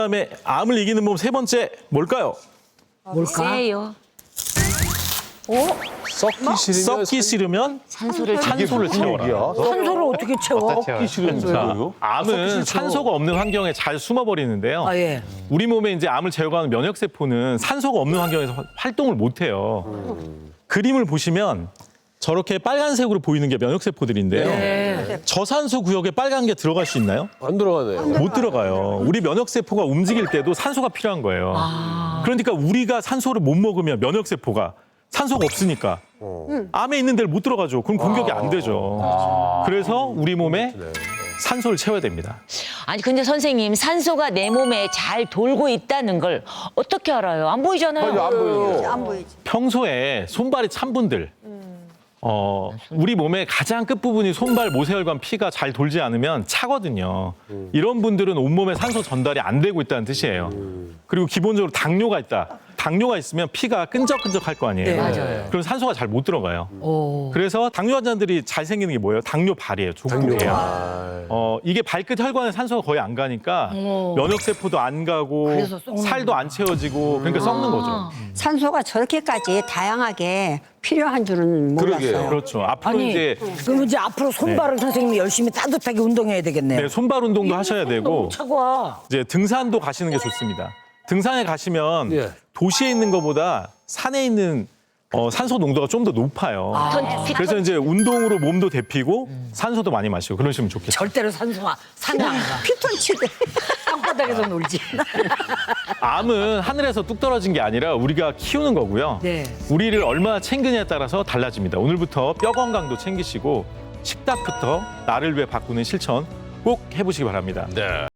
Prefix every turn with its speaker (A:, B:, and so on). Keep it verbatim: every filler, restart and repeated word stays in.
A: 그다음에 암을 이기는 몸 세 번째 뭘까요?
B: 뭘까?
C: 세요.
D: 썩기 싫으면
A: 썩기 싫으면
C: 산소를
A: 산소를 채워라.
B: 산소를 어떻게 채워?
D: 썩기 싫으면
A: 자,
D: 뭐예요?
A: 암은 산소가 없는 환경에 잘 숨어버리는데요.
B: 아, 예.
A: 우리 몸에 이제 암을 제거하는 면역세포는 산소가 없는 환경에서 화- 활동을 못해요. 그림을 보시면 저렇게 빨간색으로 보이는 게 면역세포들인데요.
B: 네.
A: 저산소 구역에 빨간 게 들어갈 수 있나요?
D: 안 들어가네요.
A: 못 들어가요. 우리 면역세포가 움직일 때도 산소가 필요한 거예요. 그러니까 우리가 산소를 못 먹으면 면역세포가 산소가 없으니까 암에 있는 데를 못 들어가죠. 그럼 공격이 안 되죠. 그래서 우리 몸에 산소를 채워야 됩니다.
C: 아니 근데 선생님 산소가 내 몸에 잘 돌고 있다는 걸 어떻게 알아요? 안 보이잖아요.
D: 안 보여요.
E: 안 보이지.
A: 평소에 손발이 찬 분들, 어, 우리 몸의 가장 끝부분이 손발 모세혈관 피가 잘 돌지 않으면 차거든요. 이런 분들은 온몸에 산소 전달이 안 되고 있다는 뜻이에요. 그리고 기본적으로 당뇨가 있다. 당뇨가 있으면 피가 끈적끈적할 거 아니에요.
B: 네.
C: 맞아요.
A: 그럼 산소가 잘 못 들어가요.
B: 오.
A: 그래서 당뇨 환자들이 잘 생기는 게 뭐예요? 당뇨 발이에요. 족부예요.
D: 아,
A: 어, 이게 발끝 혈관에 산소가 거의 안 가니까 면역세포도 안 가고
B: 그래서 썩는
A: 살도 안 채워지고 그러니까 썩는 거죠.
E: 산소가 저렇게까지 다양하게 필요한 줄은
D: 그러게요.
E: 몰랐어요.
A: 그렇죠. 앞으로
B: 아니,
A: 이제
B: 그럼 이제 앞으로 손발을 선생님이 열심히 따뜻하게 운동해야 되겠네요.
A: 네, 손발 운동도 하셔야 되고
B: 차고
A: 이제 등산도 가시는 게 좋습니다. 등산에 가시면
D: 예.
A: 도시에 있는 것보다 산에 있는 어, 산소 농도가 좀 더 높아요.
C: 턴- 피-
A: 그래서 이제 운동으로 몸도 데피고 산소도 많이 마시고 그러시면 좋겠어요.
B: 절대로 산소가 산에 안 가.
E: 피톤치드.
B: 땅바닥에서 놀지.
A: 암은 하늘에서 뚝 떨어진 게 아니라 우리가 키우는 거고요.
B: 네.
A: 우리를 얼마나 챙기냐에 따라서 달라집니다. 오늘부터 뼈 건강도 챙기시고 식탁부터 나를 위해 바꾸는 실천 꼭 해보시기 바랍니다.
D: 네.